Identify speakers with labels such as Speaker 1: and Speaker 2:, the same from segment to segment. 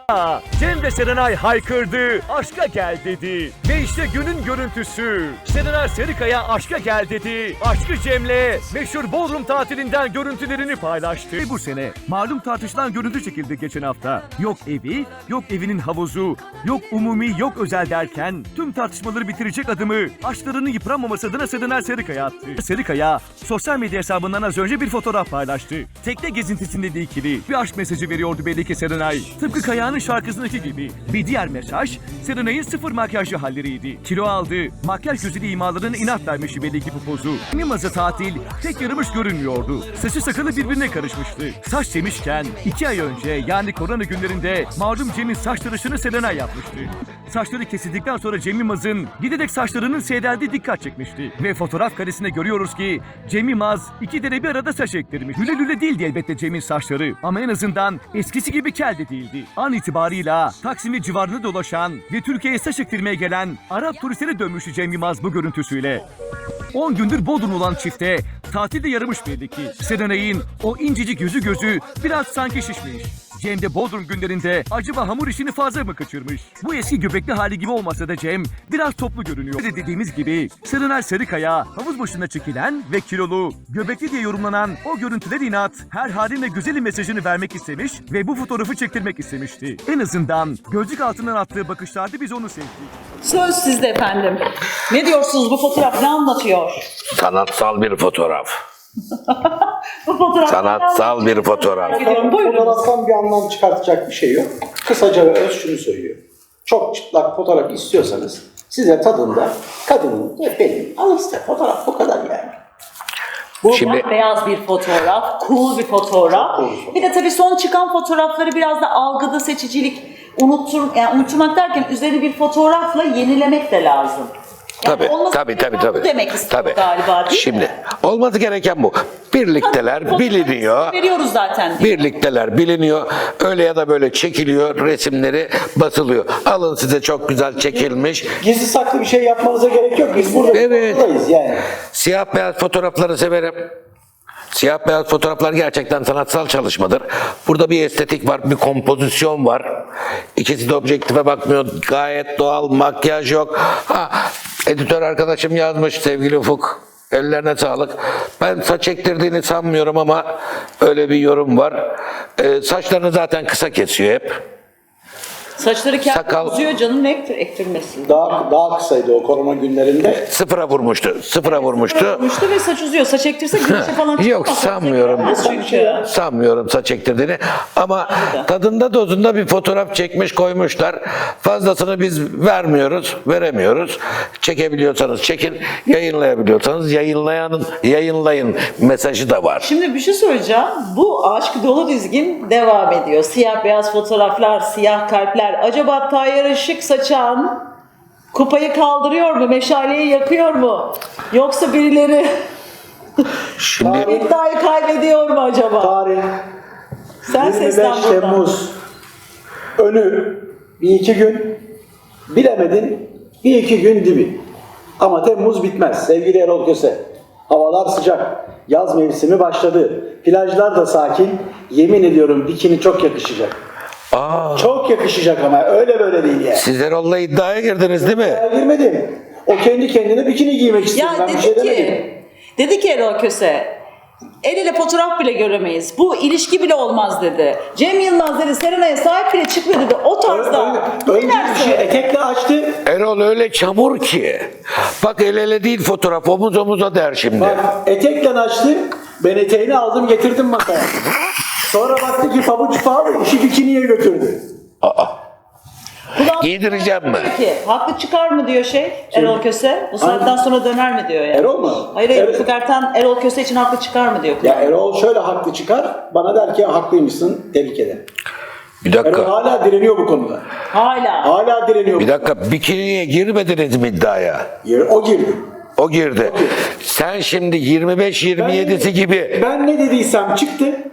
Speaker 1: Cem ve Serenay haykırdı, aşka gel dedi. Ve işte günün görüntüsü. Serenay Sarıkaya aşka gel dedi. Aşkı Cem'le meşhur Bodrum tatilinden görüntülerini paylaştı. Ve bu sene malum tartışılan görüntü çekildi geçen hafta. Yok evi, yok evinin havuzu, yok umumi, yok özel derken tüm tartışmaları bitirecek adımı aşklarının yıpranmaması adına Serenay Sarıkaya attı. Sarıkaya sosyal medya hesabından az önce bir fotoğraf paylaştı. Tekne gezintisinde de ikili bir aşk mesajı veriyordu belli ki Serenay. Tıpkı Kaya'nın şarkısındaki gibi. Bir diğer mesaj Serenay'ın sıfır makyajlı halleriydi. Kilo aldı, makyaj gözüyle imalarına inat vermişti belli ki bu pozu. Mimaz'a tatil tek yaramış görünmüyordu. Saçı sakalı birbirine karışmıştı. Saç demişken 2 ay önce yani korona günlerinde malum Cem'in saç tıraşını Serenay yapmıştı. Saçları kesildikten sonra Cem Yılmaz'ın giderek saçlarının seyreldiği dikkat çekmişti. Ve fotoğraf karesinde görüyoruz ki Cem Yılmaz 2 dere bir arada saç ektirmiş. Lüle lüle değildi elbette Cem'in saçları ama en azından eskisi gibi kel de değildi. An itibarıyla Taksim'in civarında dolaşan ve Türkiye'ye saç ektirmeye gelen Arap turistlere dönmüştü Cem Yılmaz bu görüntüsüyle. 10 gündür Bodrum olan çifte tatilde yaramış belli ki. Serenay'ın o incecik gözü biraz sanki şişmiş. Cem de Bodrum günlerinde acaba hamur işini fazla mı kaçırmış? Bu eski göbekli hali gibi olmasa da Cem biraz toplu görünüyor. Dediğimiz gibi Serenay Sarıkaya havuz başında çekilen ve kilolu, göbekli diye yorumlanan o görüntüler inat her haline güzeli mesajını vermek istemiş ve bu fotoğrafı çektirmek istemişti. En azından gözlük altından attığı bakışlarda biz onu sevdik.
Speaker 2: Söz sizde efendim. Ne diyorsunuz, bu fotoğraf ne anlatıyor?
Speaker 3: Sanatsal bir fotoğraf.
Speaker 2: Bu fotoğraf
Speaker 3: Sanatsal bir fotoğraf.
Speaker 4: Fotoğraftan bir anlam çıkartacak bir şey yok. Kısaca ve öz şunu söylüyor. Çok çıplak fotoğraf istiyorsanız size tadında kadının ve benim alın size fotoğraf, bu kadar yani.
Speaker 2: Bu
Speaker 3: Şimdi-
Speaker 2: beyaz bir fotoğraf, cool bir fotoğraf.
Speaker 4: Çok cool bir fotoğraf.
Speaker 2: Bir de tabii son çıkan fotoğrafları biraz da algıda seçicilik, unutturmak derken üzerine bir fotoğrafla yenilemek de lazım. Yani
Speaker 3: Tabii,
Speaker 2: olması
Speaker 3: tabii,
Speaker 2: gereken
Speaker 3: tabii.
Speaker 2: bu demek istiyor
Speaker 3: Tabii.
Speaker 2: galiba değil
Speaker 3: Şimdi
Speaker 2: mi?
Speaker 3: olması gereken bu. Birlikteler biliniyor.
Speaker 2: Veriyoruz zaten. Değil mi?
Speaker 3: Birlikteler biliniyor. Öyle ya da böyle çekiliyor, resimleri basılıyor. Alın size çok güzel çekilmiş.
Speaker 4: Gizli saklı bir şey yapmanıza gerek yok. Biz burada
Speaker 3: Evet.
Speaker 4: buradayız yani.
Speaker 3: Siyah beyaz fotoğrafları severim. Siyah beyaz fotoğraflar gerçekten sanatsal çalışmadır. Burada bir estetik var, bir kompozisyon var. İkisi de objektife bakmıyor. Gayet doğal, makyaj yok. Editör arkadaşım yazmış sevgili Ufuk. Ellerine sağlık. Ben saç ektirdiğini sanmıyorum ama öyle bir yorum var. Saçlarını zaten kısa kesiyor hep.
Speaker 2: Saçları kendi
Speaker 3: Sakal-
Speaker 2: uzuyor canım, ne ektirmesin.
Speaker 4: Daha kısaydı o korona günlerinde.
Speaker 3: Sıfıra vurmuştu. Sıfıra vurmuştu.
Speaker 2: Olmuştu ve saç uzuyor. Saç ektirse güneşe falan
Speaker 3: Yok,
Speaker 2: çıkmaz.
Speaker 3: sanmıyorum.
Speaker 2: Çünkü.
Speaker 3: Sanmıyorum saç ektirdiğini ama tadında dozunda bir fotoğraf çekmiş koymuşlar. Fazlasını biz veremiyoruz. Çekebiliyorsanız çekin, yayınlayabiliyorsanız yayınlayın mesajı da var.
Speaker 2: Şimdi bir şey söyleyeceğim. Bu aşk dolu dizgin devam ediyor. Siyah beyaz fotoğraflar, siyah kalpler. Acaba Tayyar Işık saçan kupayı kaldırıyor mu? Meşaleyi yakıyor mu? Yoksa birileri
Speaker 3: Şimdi
Speaker 2: iddiayı kaybediyor mu acaba?
Speaker 4: Tarih
Speaker 2: Sen
Speaker 4: 25
Speaker 2: seslen buradan.
Speaker 4: Temmuz. Önü bir iki gün. Bilemedin bir iki gün dibi. Ama Temmuz bitmez sevgili Erol Köse. Havalar sıcak. Yaz mevsimi başladı. Plajlar da sakin. Yemin ediyorum bikini çok yakışacak. Çok yakışacak ama öyle böyle değil yani.
Speaker 3: siz Erol'la iddiaya girdiniz değil mi?
Speaker 4: Ben girmedim. O kendi kendine bikini giymek istedi.
Speaker 2: Ya
Speaker 4: Ben bir şey demedim.
Speaker 2: dedi ki Erol Köse, el ele fotoğraf bile göremeyiz. Bu ilişki bile olmaz dedi. Cem Yılmaz dedi, Serenay'a sahip bile çıkmıyor dedi. O tarzda.
Speaker 4: Önce
Speaker 2: Ne
Speaker 4: bir şey
Speaker 2: dersin?
Speaker 4: etekle açtı.
Speaker 3: Erol öyle çamur ki. Bak el ele değil fotoğraf omuz omuza der şimdi.
Speaker 4: Bak etekle açtı. Ben eteğini aldım getirdim masaya. Sonra baktı ki pabuç pahalı. İşi bikiniye götürdü.
Speaker 2: Kulağım-
Speaker 3: Giydireceğim mi?
Speaker 2: Peki, haklı çıkar mı diyor Erol Köse? Bu saatten sonra döner mi diyor yani?
Speaker 4: Erol mu?
Speaker 2: Hayır,
Speaker 4: Evet.
Speaker 2: Ufuk Ertan Erol Köse için haklı çıkar mı diyor.
Speaker 4: Ya Erol şöyle haklı çıkar. Bana der ki haklıymışsın. Tebrik ederim.
Speaker 3: Bir
Speaker 4: Erol
Speaker 3: dakika.
Speaker 4: hala direniyor bu konuda.
Speaker 2: Hala.
Speaker 4: Hala direniyor.
Speaker 3: Bir dakika bikiniye girmediniz mi iddiaya?
Speaker 4: O girdi.
Speaker 3: O girdi. Sen şimdi 25-27'si gibi
Speaker 4: Ben ne dediysem çıktı.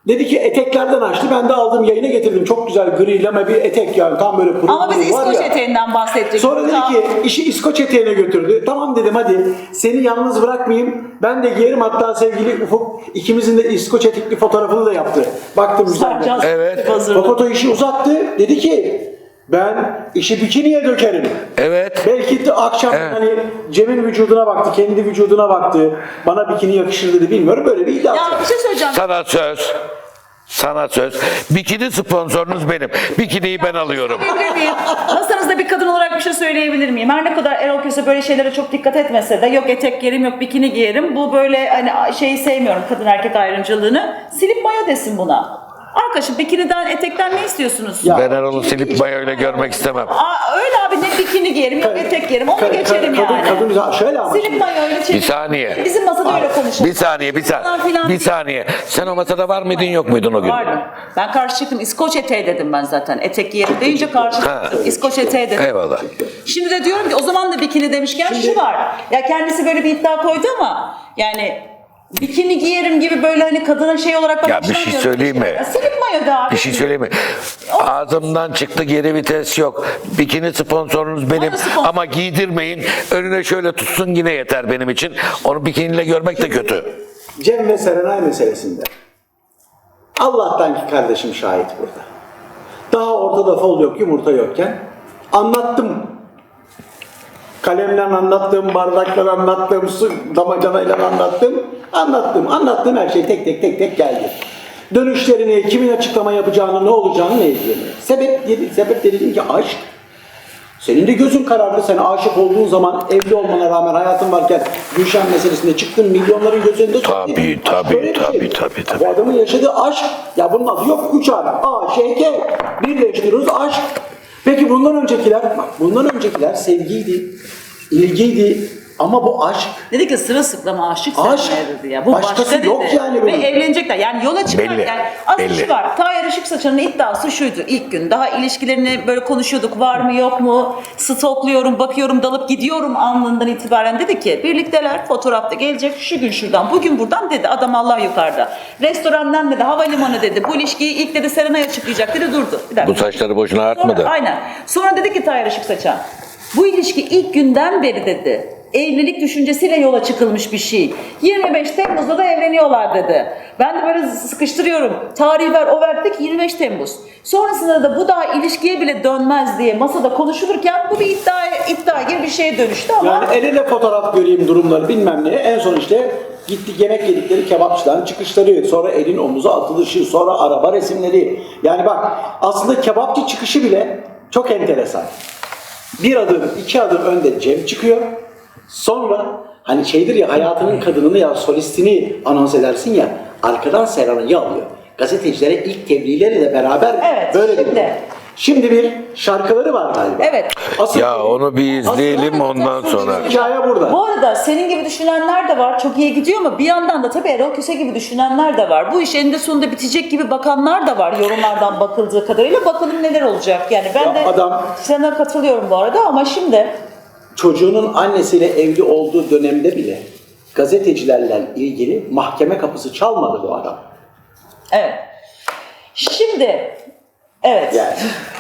Speaker 4: Dedi ki eteklerden açtı. Ben de aldım yayına getirdim. Çok güzel gri lame bir etek yani. Tam böyle pırıl
Speaker 2: Ama biz
Speaker 4: pırıl var
Speaker 2: İskoç
Speaker 4: ya.
Speaker 2: eteğinden bahsedecek.
Speaker 4: Sonra dedi ki işi İskoç eteğine götürdü. Tamam dedim hadi seni yalnız bırakmayayım. Ben de giyerim, hatta sevgili Ufuk ikimizin de İskoç etekli fotoğrafını da yaptı. Baktım güzel.
Speaker 3: Evet.
Speaker 4: O foto işi uzattı. Dedi ki ben işi bikiniye dökerim.
Speaker 3: Evet.
Speaker 4: Belki de akşam
Speaker 3: Evet.
Speaker 4: hani Cem'in vücuduna baktı, kendi vücuduna baktı. Bana bikini yakışır dedi, bilmiyorum, böyle bir iddia.
Speaker 2: Ya bir şey söyleyeceğim.
Speaker 3: Sana söz. Sana söz. Bikini sponsorunuz benim. Bikiniyi ben alıyorum.
Speaker 2: Söyleyebilir miyim? Masanızda bir kadın olarak bir şey söyleyebilir miyim? Her ne kadar Erol Köse böyle şeylere çok dikkat etmese de yok etek giyerim yok bikini giyerim. Bu böyle hani şeyi sevmiyorum, kadın erkek ayrımcılığını. Silip mayo desin buna. Arkadaşım bikiniden etekten ne istiyorsunuz?
Speaker 4: Ya.
Speaker 3: Ben Erol'u silip mayoyla görmek istemem.
Speaker 2: Öyle abi, ne bikini giyerim yok etek giyerim onu geçerim yani.
Speaker 4: Kadın şöyle ama.
Speaker 2: Silip mayoyla çekip.
Speaker 3: Bir saniye.
Speaker 2: Bizim masada öyle konuşalım.
Speaker 3: Bir saniye,
Speaker 2: Falan filan
Speaker 3: bir
Speaker 2: değil.
Speaker 3: saniye. Sen o masada var mıydın, yok muydun o gün?
Speaker 2: Vardım. Ben karşı çıktım. İskoç eteği dedim ben zaten. Etek giyerim deyince karşı
Speaker 3: Ha.
Speaker 2: çıktım. İskoç eteği dedim.
Speaker 3: Eyvallah.
Speaker 2: Şimdi de diyorum ki o zaman da bikini demişken şu var. Ya kendisi böyle bir iddia koydu ama yani bikini giyerim gibi böyle hani kadına şey olarak
Speaker 3: Ya bir şey söyleyeyim mi?
Speaker 2: Ya silip mayo da abi.
Speaker 3: Bir şey söyleyeyim mi? Ağzımdan çıktı, geri vites yok. Bikini sponsorunuz benim
Speaker 2: Bana sponsor.
Speaker 3: ama giydirmeyin. Önüne şöyle tutsun yine yeter benim için. Onu bikiniyle görmek de kötü.
Speaker 4: Cem ve Serenay meselesinde. Allah'tan ki kardeşim şahit burada. Daha ortada fol yok, yumurta yokken anlattım. Kalemle anlattım, bardakla anlattım, su damacanayla anlattım. Anlattığım her şey tek tek geldi. Dönüşlerini, kimin açıklama yapacağını, ne olacağını ne ilgileniyor. Sebep dedim ki aşk. Senin de gözün karardı. Sen aşık olduğun zaman evli olmana rağmen hayatın varken Gülşen meselesinde çıktın, milyonların gözünde
Speaker 3: Tabii,
Speaker 4: tuttun.
Speaker 3: tabii,
Speaker 4: Aşk böyle bir
Speaker 3: tabii,
Speaker 4: şey.
Speaker 3: tabii, tabii.
Speaker 4: Bu adamın yaşadığı aşk. Ya bunun adı yok 3 harf. A, Ş, K. Birleştiriyoruz aşk. Peki bundan öncekiler sevgiydi, ilgiydi. Ama bu aşk.
Speaker 2: Dedi ki sırılsıklama aşık
Speaker 4: Aşk.
Speaker 2: Serenay dedi ya. Bu
Speaker 4: Başkası
Speaker 2: başka dedi.
Speaker 4: yok yani
Speaker 2: Ve
Speaker 4: bunun.
Speaker 2: evlenecekler. Yani yola çıkarken
Speaker 3: Belli,
Speaker 2: aslında
Speaker 3: belli.
Speaker 2: şu var. Tayyar Işık Saçan'ın iddiası şuydu ilk gün. Daha ilişkilerini böyle konuşuyorduk. Var mı yok mu? Stokluyorum, bakıyorum, dalıp gidiyorum anından itibaren dedi ki birlikteler, fotoğrafta gelecek şu gün şuradan, bugün buradan dedi. Adam Allah yukarıda. Restorandan dedi, havalimanı dedi. Bu ilişkiyi ilk dedi Serenay açıklayacak dedi, durdu. Bir dakika.
Speaker 3: Bu saçları boşuna artmadı.
Speaker 2: Sonra, aynen. Sonra dedi ki Tayyar Işık Saçan, bu ilişki ilk günden beri dedi, evlilik düşüncesiyle yola çıkılmış bir şey. 25 Temmuz'da da evleniyorlar dedi. Ben de böyle sıkıştırıyorum. Tarih ver, o verdik 25 Temmuz. Sonrasında da bu daha ilişkiye bile dönmez diye masada konuşulurken bu bir iddia gibi bir şeye dönüştü ama...
Speaker 4: Yani el ele fotoğraf göreyim durumları bilmem ne. En son işte gittik yemek yedikleri kebapçıdan çıkışları, sonra elin omuza atılışı, sonra araba resimleri. Yani bak aslında kebapçı çıkışı bile çok enteresan. Bir adım, iki adım önde Cem çıkıyor. Sonra hani şeydir ya, hayatının kadınını ya solistini anons edersin ya, arkadan Serenay'ı alıyor. Gazetecilere ilk tebliğleriyle beraber
Speaker 2: Evet,
Speaker 4: böyle
Speaker 2: şimdi.
Speaker 4: bir. Şimdi bir şarkıları var galiba.
Speaker 2: Evet.
Speaker 4: Asıl,
Speaker 3: Ya onu bir izleyelim
Speaker 4: asıl-
Speaker 3: ondan sonra.
Speaker 4: Hikaye burada.
Speaker 2: Bu arada senin gibi düşünenler de var. Çok iyi gidiyor ama bir yandan da tabii Erol Köse gibi düşünenler de var. Bu iş eninde sonunda bitecek gibi bakanlar da var yorumlardan bakıldığı kadarıyla. Bakalım neler olacak. Yani ben
Speaker 4: Ya
Speaker 2: de
Speaker 4: adam-
Speaker 2: sana katılıyorum bu arada ama şimdi
Speaker 4: Çocuğunun annesiyle evli olduğu dönemde bile gazetecilerle ilgili mahkeme kapısı çalmadı bu adam.
Speaker 2: evet. Şimdi evet.
Speaker 4: Yani.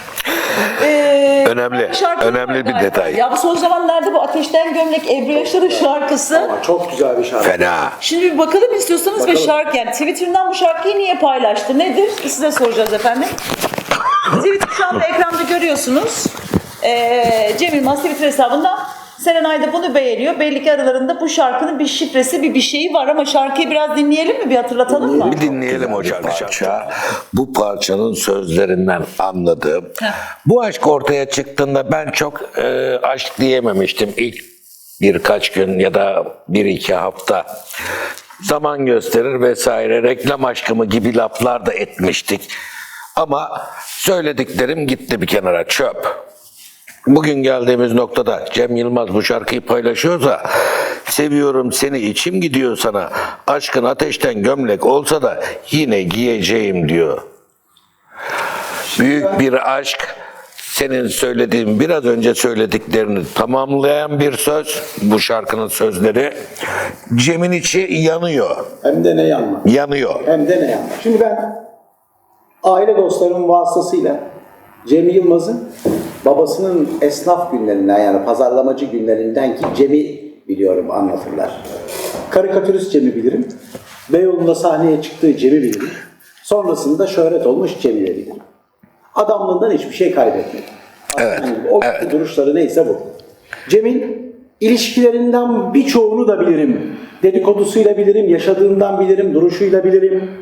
Speaker 3: Önemli,
Speaker 2: Şarkı
Speaker 3: önemli
Speaker 2: var
Speaker 3: bir
Speaker 2: galiba.
Speaker 3: detay.
Speaker 2: Ya bu son zamanlarda bu Ateşten Gömlek Ebru Yaşar'ın şarkısı.
Speaker 4: Ama çok güzel bir şarkı.
Speaker 3: Fena.
Speaker 2: Şimdi bir bakalım istiyorsanız ve
Speaker 4: Bakalım.
Speaker 2: şarkı yani Twitter'dan bu şarkıyı niye paylaştı? Nedir? Size soracağız efendim. Twitter şu anda ekranda görüyorsunuz. Cem Yılmaz Twitter hesabından Serenay da bunu beğeniyor. Belli ki aralarında bu şarkının bir şifresi, bir şeyi var ama şarkıyı biraz dinleyelim mi? Bir hatırlatalım mı?
Speaker 3: Bir dinleyelim o parça. Bu parçanın sözlerinden anladığım. Bu aşk ortaya çıktığında ben çok aşk diyememiştim ilk birkaç gün ya da bir iki hafta. Zaman gösterir vesaire, reklam aşkı mı gibi laflar da etmiştik. Ama söylediklerim gitti bir kenara, çöp. Bugün geldiğimiz noktada Cem Yılmaz bu şarkıyı paylaşıyorsa, seviyorum seni içim gidiyor sana, aşkın ateşten gömlek olsa da yine giyeceğim diyor. Büyük bir aşk senin söylediğin, biraz önce söylediklerini tamamlayan bir söz. Bu şarkının sözleri. Cem'in içi yanıyor.
Speaker 4: Hem de ne yanma.
Speaker 3: Yanıyor.
Speaker 4: Hem de ne yanma. Şimdi ben aile dostlarımın vasıtasıyla Cem Yılmaz'ın babasının esnaf günlerinden, yani pazarlamacı günlerinden ki Cem'i biliyorum, anlatırlar. Karikatürist Cem'i bilirim. Beyoğlu'nda sahneye çıktığı Cem'i bilirim. Sonrasında şöhret olmuş Cem'i de bilirim. Adamlığından hiçbir şey kaybetmedi.
Speaker 3: Evet,
Speaker 4: Yani o duruşları neyse bu. Cem'in ilişkilerinden birçoğunu da bilirim. Dedikodusuyla bilirim, yaşadığından bilirim, duruşuyla bilirim.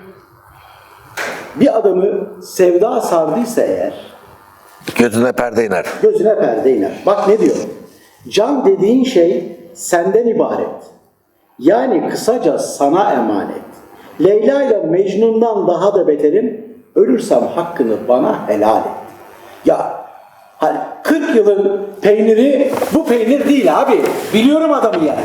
Speaker 4: Bir adamı sevda sardıysa eğer,
Speaker 3: Gözüne perde iner.
Speaker 4: gözüne perde iner. Bak ne diyor? Can dediğin şey senden ibaret. Yani kısaca sana emanet. Leyla ile Mecnun'dan daha da beterim. Ölürsem hakkını bana helal et. Ya hani 40 yılın peyniri bu peynir değil abi. Biliyorum adamı yani.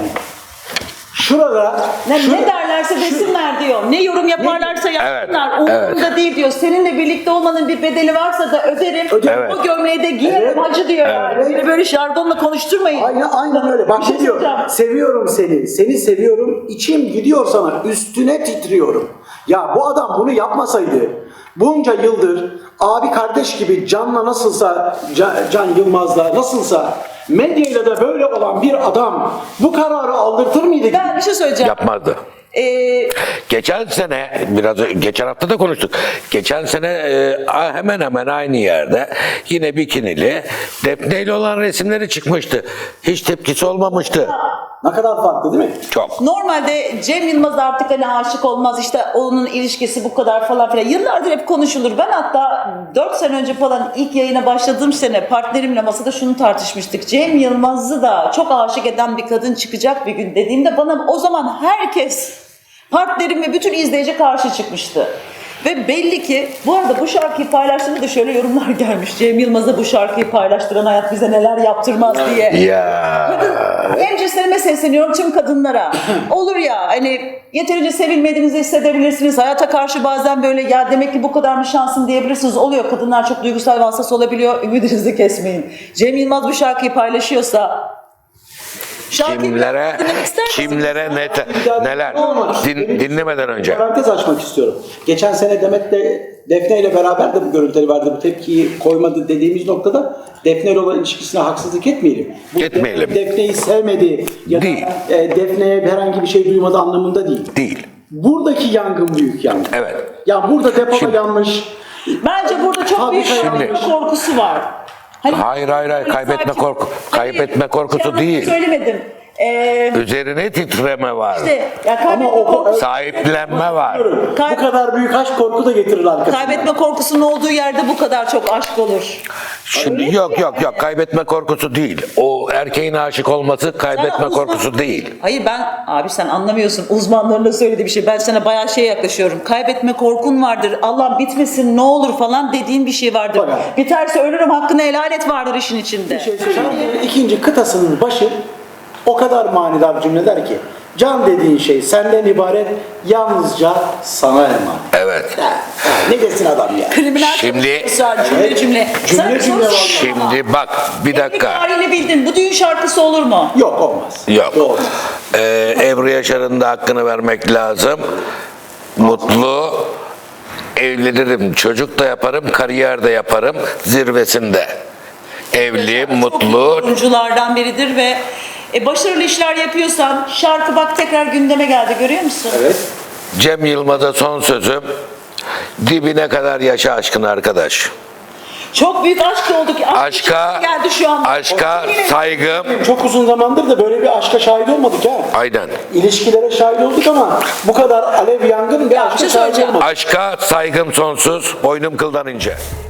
Speaker 4: Şurada
Speaker 2: Ne derlerse desinler diyor. Ne yorum yaparlarsa yapsınlar. Umurumda değil diyor. Seninle birlikte olmanın bir bedeli varsa da öderim.
Speaker 3: Evet.
Speaker 2: O gömleği de giyerim
Speaker 4: Evet.
Speaker 2: hacı diyor. Yani. Beni böyle şardonla konuşturmayın.
Speaker 4: Aynen öyle. Bak
Speaker 2: Bir şey
Speaker 4: ne diyor?
Speaker 2: söyleyeceğim.
Speaker 4: Seviyorum seni. Seni seviyorum. İçim gidiyor sana. Üstüne titriyorum. Ya bu adam bunu yapmasaydı bunca yıldır abi kardeş gibi Can'la nasılsa, Can Yılmaz'la nasılsa medyayla da böyle olan bir adam bu kararı aldırtır mıydı?
Speaker 2: Ben bir şey söyleyeceğim.
Speaker 3: Yapmazdı. Geçen sene, geçen hafta da konuştuk. Geçen sene hemen hemen aynı yerde yine bikinili Defne ile olan resimleri çıkmıştı. Hiç tepkisi olmamıştı.
Speaker 4: Ne kadar farklı değil mi?
Speaker 3: Çok.
Speaker 2: Normalde Cem Yılmaz artık hani aşık olmaz, işte onun ilişkisi bu kadar falan filan. Yıllardır hep konuşulur. Ben hatta 4 sene önce falan ilk yayına başladığım sene partnerimle masada şunu tartışmıştık. Cem Yılmaz'ı da çok aşık eden bir kadın çıkacak bir gün dediğimde bana o zaman herkes, partnerim ve bütün izleyici karşı çıkmıştı. Ve belli ki bu arada bu şarkıyı paylaştığımda da şöyle yorumlar gelmiş. Cem Yılmaz'a bu şarkıyı paylaştıran hayat bize neler yaptırmaz diye.
Speaker 3: Ya.
Speaker 2: En cinslerime sesleniyorum tüm kadınlara. Olur ya hani yeterince sevilmediğinizi hissedebilirsiniz. Hayata karşı bazen böyle ya demek ki bu kadar mı şansım diyebilirsiniz. Oluyor, kadınlar çok duygusal ve hassas olabiliyor. Ümidinizi kesmeyin. Cem Yılmaz bu şarkıyı paylaşıyorsa
Speaker 3: Kimlere neler dinlemeden önce.
Speaker 4: Parantez açmak istiyorum. Geçen sene Demet'le Defne ile beraber de bu görüntüleri verdi. Bu tepkiyi koymadı dediğimiz noktada Defne ile olan ilişkisine haksızlık etmeyelim. Bu
Speaker 3: Etmeyelim.
Speaker 4: Defne'yi sevmedi ya da
Speaker 3: Değil.
Speaker 4: Defne'ye herhangi bir şey duymadı anlamında değil.
Speaker 3: Değil.
Speaker 4: Buradaki yangın büyük yangın.
Speaker 3: Evet.
Speaker 4: Ya burada depoda yanmış.
Speaker 2: Bence burada çok büyük
Speaker 4: Fabrika
Speaker 2: bir korkusu var. Hani
Speaker 3: Hayır. Kaybetme korkusu değil.
Speaker 2: Söylemedim.
Speaker 3: Üzerine titreme var.
Speaker 2: İşte ya
Speaker 4: Ama o
Speaker 3: Sahiplenme var.
Speaker 4: bu kadar büyük aşk korku da getirir arkasından.
Speaker 2: kaybetme korkusunun olduğu yerde bu kadar çok aşk olur.
Speaker 3: Şimdi yok kaybetme korkusu değil. O erkeğin aşık olması kaybetme korkusu değil.
Speaker 2: Hayır abi sen anlamıyorsun. Uzmanların da söylediği bir şey. Ben sana bayağı yaklaşıyorum. Kaybetme korkun vardır. Allah bitmesin ne olur falan dediğin bir şey vardır.
Speaker 4: Bak.
Speaker 2: Biterse ölürüm hakkını helal et vardır işin içinde.
Speaker 4: Şarkının ikinci kıtasının başı o kadar manidar cümleler ki can dediğin şey senden ibaret, yalnızca sana emanet.
Speaker 3: Evet.
Speaker 4: Ne desin adam ya?
Speaker 2: Kriminal
Speaker 3: Şimdi-
Speaker 2: cümle.
Speaker 4: Cümle var.
Speaker 3: Şimdi bak bir dakika.
Speaker 2: Tarihini bildin. Bu düğün şarkısı olur mu?
Speaker 4: Yok olmaz.
Speaker 3: Yok.
Speaker 4: Doğru.
Speaker 3: Ebru Yaşar'ın da hakkını vermek lazım. Mutlu, evlenirim, çocuk da yaparım, kariyer de yaparım zirvesinde. Evli, mutlu.
Speaker 2: Oyunculardan biridir ve başarılı işler yapıyorsan şarkı bak tekrar gündeme geldi, görüyor musun?
Speaker 4: Evet.
Speaker 3: Cem Yılmaz'a son sözüm. Dibine kadar yaşa aşkını arkadaş.
Speaker 2: Çok büyük aşk oldu ki.
Speaker 3: Aşka,
Speaker 2: geldi şu an.
Speaker 3: aşka saygım.
Speaker 4: Çok uzun zamandır da böyle bir aşka şahit olmadık ha.
Speaker 3: Aynen.
Speaker 4: İlişkilere şahit olduk ama bu kadar alev yangın bir aşka
Speaker 2: şey
Speaker 4: şahit
Speaker 2: söyleyeceğim.
Speaker 4: olmadık.
Speaker 3: Aşka saygım sonsuz, boynum kıldan ince.